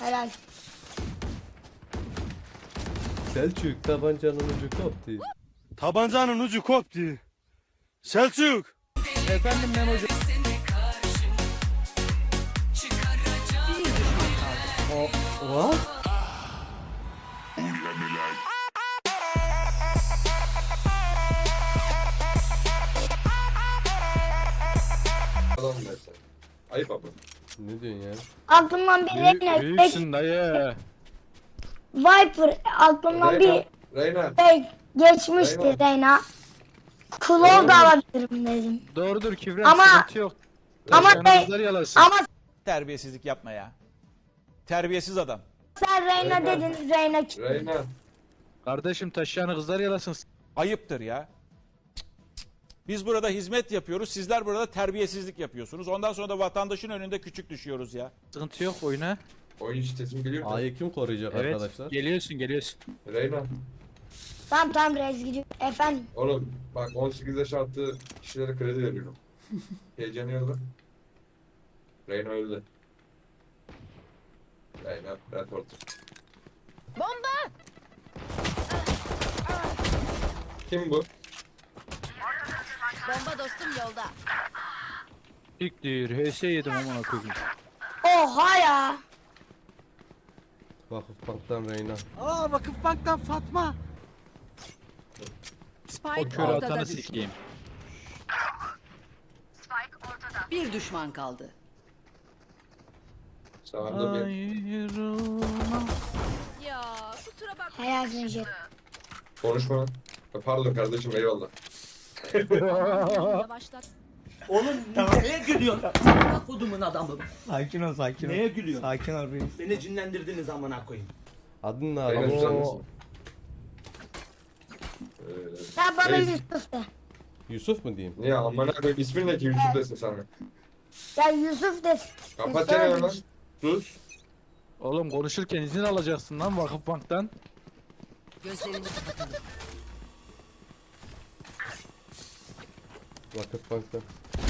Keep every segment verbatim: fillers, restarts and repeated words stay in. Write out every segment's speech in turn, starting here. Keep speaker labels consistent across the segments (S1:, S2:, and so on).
S1: Helal.
S2: Selçuk tabancanın ucu koptu.
S3: Tabancanın ucu koptu. Selçuk.
S2: Efendim Memo'cu. O, o?
S4: Adam versen. Ayıp abi.
S2: Ne diyorsun ya?
S1: Aklımdan bir
S5: Büyük,
S1: Reyna.
S5: büyüksün dayı.
S1: Viper aklımdan
S4: Reyna.
S1: bir
S4: Reyna.
S1: şey geçmişti
S4: Reyna.
S1: Reyna. Klov da alabilirim dedim.
S5: Doğrudur Kübra,
S1: Ama-
S5: sıkıntı yok.
S1: ama
S5: Taşlarını
S1: Rey-
S5: kızlar yalasın.
S1: Ama
S6: Terbiyesizlik yapma ya. Terbiyesiz adam.
S1: sen Reyna
S4: Reyna.
S1: dedin, Reyna gitti.
S4: Reyna.
S5: Kardeşim taşlarını kızlar yalasın.
S6: Ayıptır ya. Biz burada hizmet yapıyoruz. Sizler burada terbiyesizlik yapıyorsunuz. Ondan sonra da vatandaşın önünde küçük düşüyoruz ya.
S5: Sıkıntı yok oyuna.
S4: Oyun sitesimi biliyor musun?
S2: A'yı kim koruyacak
S5: Evet
S2: arkadaşlar?
S5: geliyorsun geliyorsun.
S4: Reyna.
S1: Tamam tamam Rez gidiyor. Efendim.
S4: Oğlum bak on sekiz yaş altı kişilere kredi veriyorum. Heyecanı yok. Reyna öldü. Reyna report.
S7: Bomba!
S4: Kim bu?
S7: Bomba dostum yolda.
S5: İlk H S yedim amına koyayım.
S1: Oha ya.
S2: Vakıfbank'tan Reyna.
S8: Aa Vakıfbank'tan Fatma.
S5: O
S9: Spike
S5: kör
S9: ortada
S5: atanı
S9: düştü.
S5: sikeyim.
S9: Bir düşman kaldı.
S4: Sağında bir.
S5: Ayrılma.
S7: Ya kusura bakma.
S1: Helal Jet.
S4: Konuşma. Pardon kardeşim eyvallah.
S7: Başlat.
S8: Oğlum neye gülüyorsun? Kodumun adamı.
S10: Sakin ol sakin ol.
S8: Neye gülüyorsun?
S10: Sakin ol reis.
S8: Beni cinlendirdiniz amına koyayım.
S2: Adın ne
S4: Reyna
S2: abi?
S4: güzel misin? Ee,
S1: Sen bana
S4: Reis.
S1: Yusuf de.
S2: Yusuf mu diyeyim?
S4: Niye amına koyayım ismin ne ki Yusuf desin sana.
S1: Ya Yusuf de.
S4: Kapat çeneni lan. Sus.
S5: Oğlum konuşurken izin alacaksın lan Vakıfbank'tan.
S9: Gözlerini kapatalım.
S2: Vakıfbank'tan.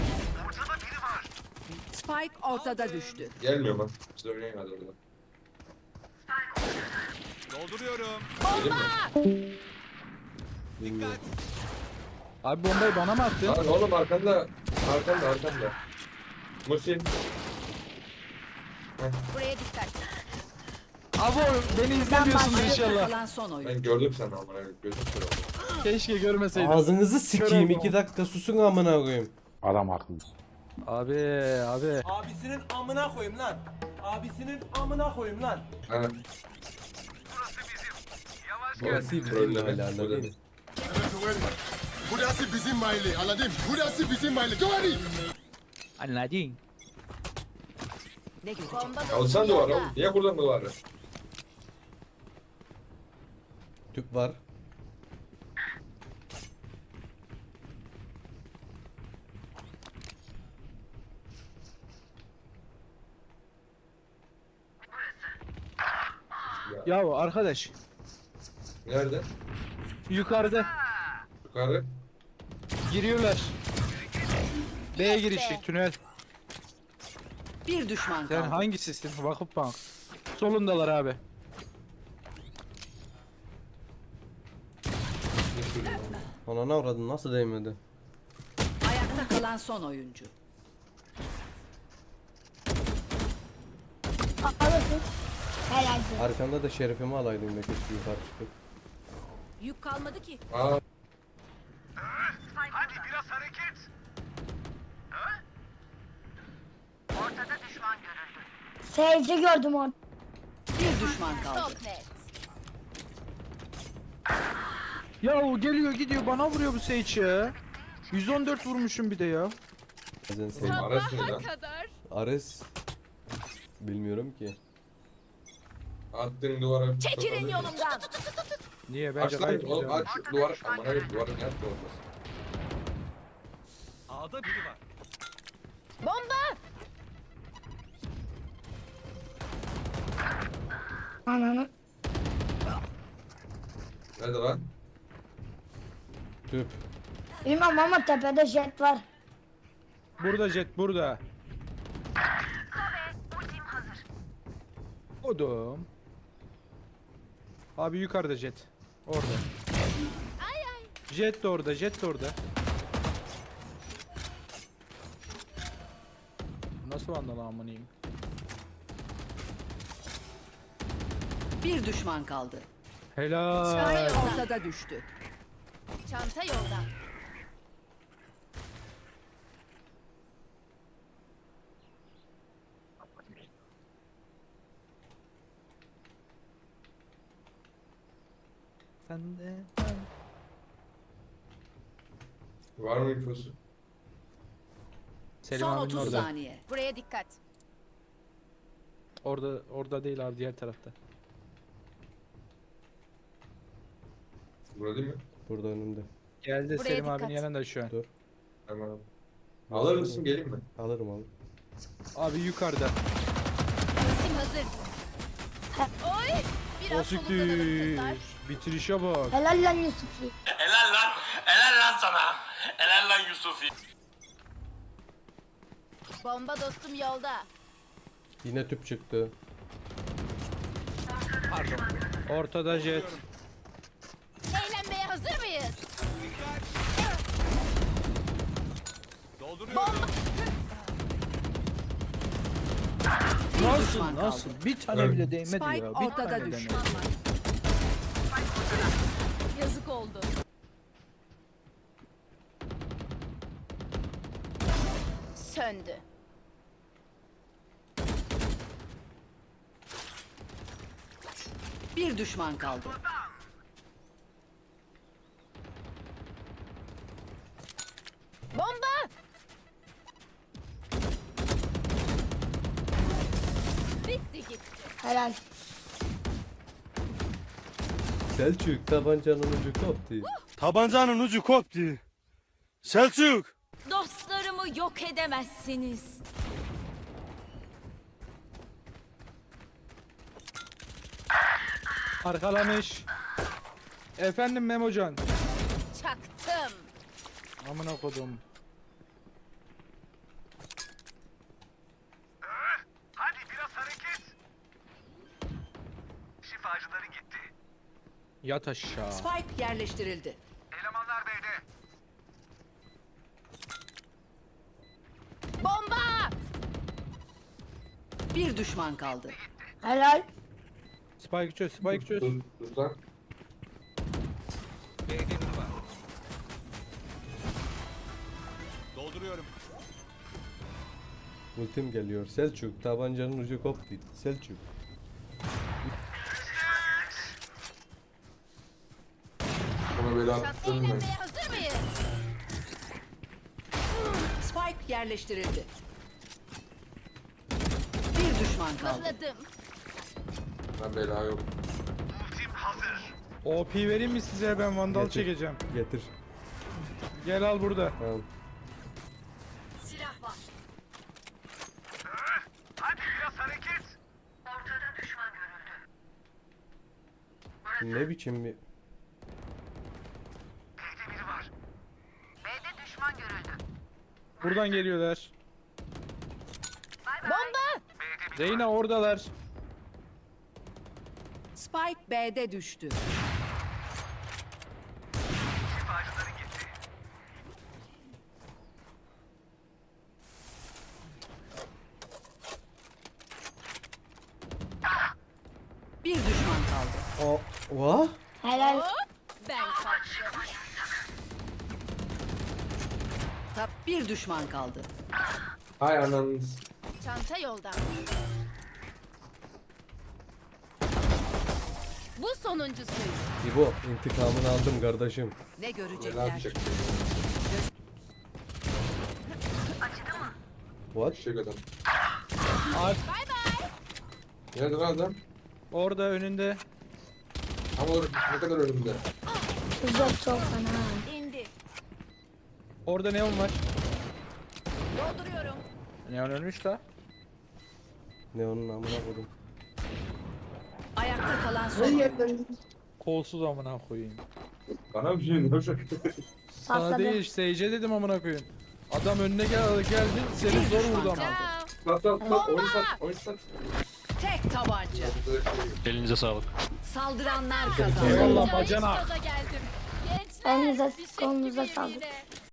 S9: Spike ortada düştü.
S4: Gelmiyor lan. Siz oynayın hadi orada.
S3: Dolduruyorum.
S4: Gelin mi?
S2: Bilmiyorum.
S5: Abi bombayı bana mı attın?
S4: Lan oğlum arkanda. Arkanda arkanda. Musin.
S7: Buraya dikkat.
S5: Abi oğlum, beni izlemiyorsunuz
S9: Ayakta
S5: inşallah.
S9: kalan son oyun.
S4: Ben gördüm seni amına koyayım. Gözüm kör oldu.
S5: Keşke görmeseydim.
S2: Ağzınızı sikeyim
S5: oldum.
S2: iki dakika susun amına koyayım.
S5: Abi abi.
S8: Abisinin amına koyayım lan. Abisinin amına koyayım lan.
S4: Ha.
S2: Burası bizim
S4: Trolleme,
S2: mahalle anladın mı?
S4: trolleme.
S3: Burası bizim mahalle anladın? Burası bizim mahalle. Doğru.
S5: Anladın.
S9: Ne görecek?
S7: Bomba dostum
S4: Alsan duvara
S7: yolda.
S4: oğlum. Niye buradan duvarı?
S2: Tüp var.
S5: Ya arkadaş
S4: Nerede?
S5: yukarıda
S4: Yukarı.
S5: giriyorlar. B'ye girişi tünel.
S9: Bir düşman
S5: Sen
S9: kaldı.
S5: hangisisin? Vakıfbank. Solundalar abi.
S2: Anana avradın nasıl değmedi?
S9: Ayakta kalan son oyuncu.
S1: Alırsın. Helal Jet.
S2: Arkanda da şerefimi alaydım da keşke yukarı çıkıp.
S7: Yük kalmadı ki.
S4: Aa.
S1: Seyirci gördüm orada.
S9: Bir düşman kaldı.
S7: Çok net.
S5: Ya o geliyor gidiyor bana vuruyor bu Sage ya. yüz on dört vurmuşum bir de ya.
S2: Bazen sen
S4: Ares ne lan?
S7: Kadar.
S2: Ares bilmiyorum ki.
S4: Attın duvara.
S7: Çekilin yolumdan.
S5: Niye
S4: Aç
S5: bence
S4: lan
S5: gayet
S4: oğlum
S5: güzel.
S4: aç şu duvarı. Amına koyayım duvarı ne yaptı olmaz.
S3: A'da biri var.
S7: Bomba.
S1: Ananı.
S4: Nerede lan?
S2: Tüp.
S1: Bilmem ama tepede Jet var.
S5: Burada Jet burada. Kodum. Abi yukarıda jet. Orada. Jet de orada, jet de orada. Nasıl vandal amınıyım?
S9: Bir düşman kaldı.
S5: Helal.
S9: Ortada düştü.
S7: Çanta yolda.
S5: Sen de.
S4: Var mı infosu?
S5: Selim
S9: Son
S5: abinin
S9: otuz
S5: orada.
S9: saniye.
S7: Buraya dikkat.
S5: Orada orada değil abi, diğer tarafta.
S4: Burada değil mi?
S2: Burada önümde.
S5: Geldi
S7: Buraya
S5: Selim
S7: dikkat.
S5: abinin yanında şu an.
S2: Dur.
S4: Tamam. Alır mısın, geleyim mi?
S2: Alırım alırım.
S5: Abi yukarıda.
S7: Ultim hazır. Oy!
S5: O
S7: Biraz soluklanalım
S5: siktir.
S7: kızlar.
S5: Bitirişe bak.
S1: Helal lan Yusuf'i.
S8: Helal lan. Helal lan sana. Helal lan Yusuf'i.
S7: Bomba dostum yolda.
S2: Yine tüp çıktı.
S5: Ortada jet.
S7: Eğlenmeye hazır mıyız?
S3: Dolduruyorum.
S5: Nasıl
S9: düşman
S5: nasıl?
S9: kaldı.
S5: Bir tane
S4: Evet.
S5: bile değmedi
S9: Spike
S5: ya. Bir
S9: ortada
S5: tane
S9: düştü.
S5: değmedi.
S7: Yazık oldu. Söndü.
S9: Bir düşman kaldı.
S7: Bomba! Bitti gitti.
S1: Helal.
S2: Selçuk tabancanın ucu koptu.
S3: Tabancanın ucu koptu. Selçuk.
S7: Dostlarımı yok edemezsiniz.
S5: Arkalamış. Efendim Memocan.
S7: Çaktım.
S5: Amına kodum.
S8: Hadi biraz hareket. Şifacıları gitti.
S5: Yat aşağı.
S9: Spike yerleştirildi.
S8: Elemanlar B'de.
S7: Bomba!
S9: Bir düşman kaldı.
S1: Helal.
S5: Spike çöz, Spike çöz.
S4: Dur, dur lan.
S3: Dolduruyorum.
S2: Ultim geliyor. Selçuk tabancanın ucu koptu. Selçuk.
S4: Ona böyle
S7: Çat
S4: attım ben.
S7: eğlenmeye hazır mıyız?
S9: Spike yerleştirildi. Bir düşman kaldı.
S7: Mıhladım.
S4: Ben bela yok.
S8: Ultim hazır.
S5: O P vereyim mi size, ben vandal
S2: Getir.
S5: çekeceğim.
S2: Getir.
S5: Gel al burada.
S2: Tamam.
S7: Silah var.
S8: Hadi biraz hareket. Ortada düşman görüldü.
S2: Ne biçim bir...
S8: B'de biri var. B'de düşman görüldü.
S5: Buradan geliyorlar.
S7: Bomba!
S8: B'de biri
S5: Reyna oradalar.
S9: Spike B'de düştü.
S8: şifacıları gitti.
S9: Bir düşman kaldı.
S2: O... Va?
S1: Helal.
S7: Hop! Ben kaçtım.
S9: Tap bir düşman kaldı.
S4: Hay ananız.
S7: Çanta yolda. Bu sonuncusuydu.
S2: İbo intikamını aldım kardeşim.
S9: Ne
S4: Ne
S9: görecekler?
S4: yapacak?
S2: What?
S4: Eşek adam.
S5: Ar
S7: Bay bay.
S4: Nerede lan adam?
S5: orada önünde.
S4: Ama or ne kadar önümde.
S1: Çok çok fena.
S7: İndi.
S5: Orada neon var.
S7: Dolduruyorum.
S5: Neon ölmüş da.
S2: Ne onun amına koydum.
S9: Ayakta kalan son oyuncu.
S5: Kolsuz amına koyayım.
S4: Bana bir şey ne olacak?
S5: Sana
S1: Patladı.
S5: değil, Sage'e dedim amına koyayım. Adam önüne gel geldi, seni zor vurdu ama.
S7: Ciao.
S4: Sat sat sat. Oyun sat. Oyun sat.
S9: Tek tabanca.
S4: Burada da şey
S10: Elinize sağlık.
S9: Saldıranlar kazandı.
S5: Eyvallah
S7: Hiç
S5: bacana.
S7: gaza geldim. Gençler
S1: Elinize
S7: bir şey
S1: kolunuza
S7: gibiyim
S1: sağlık.
S7: yine.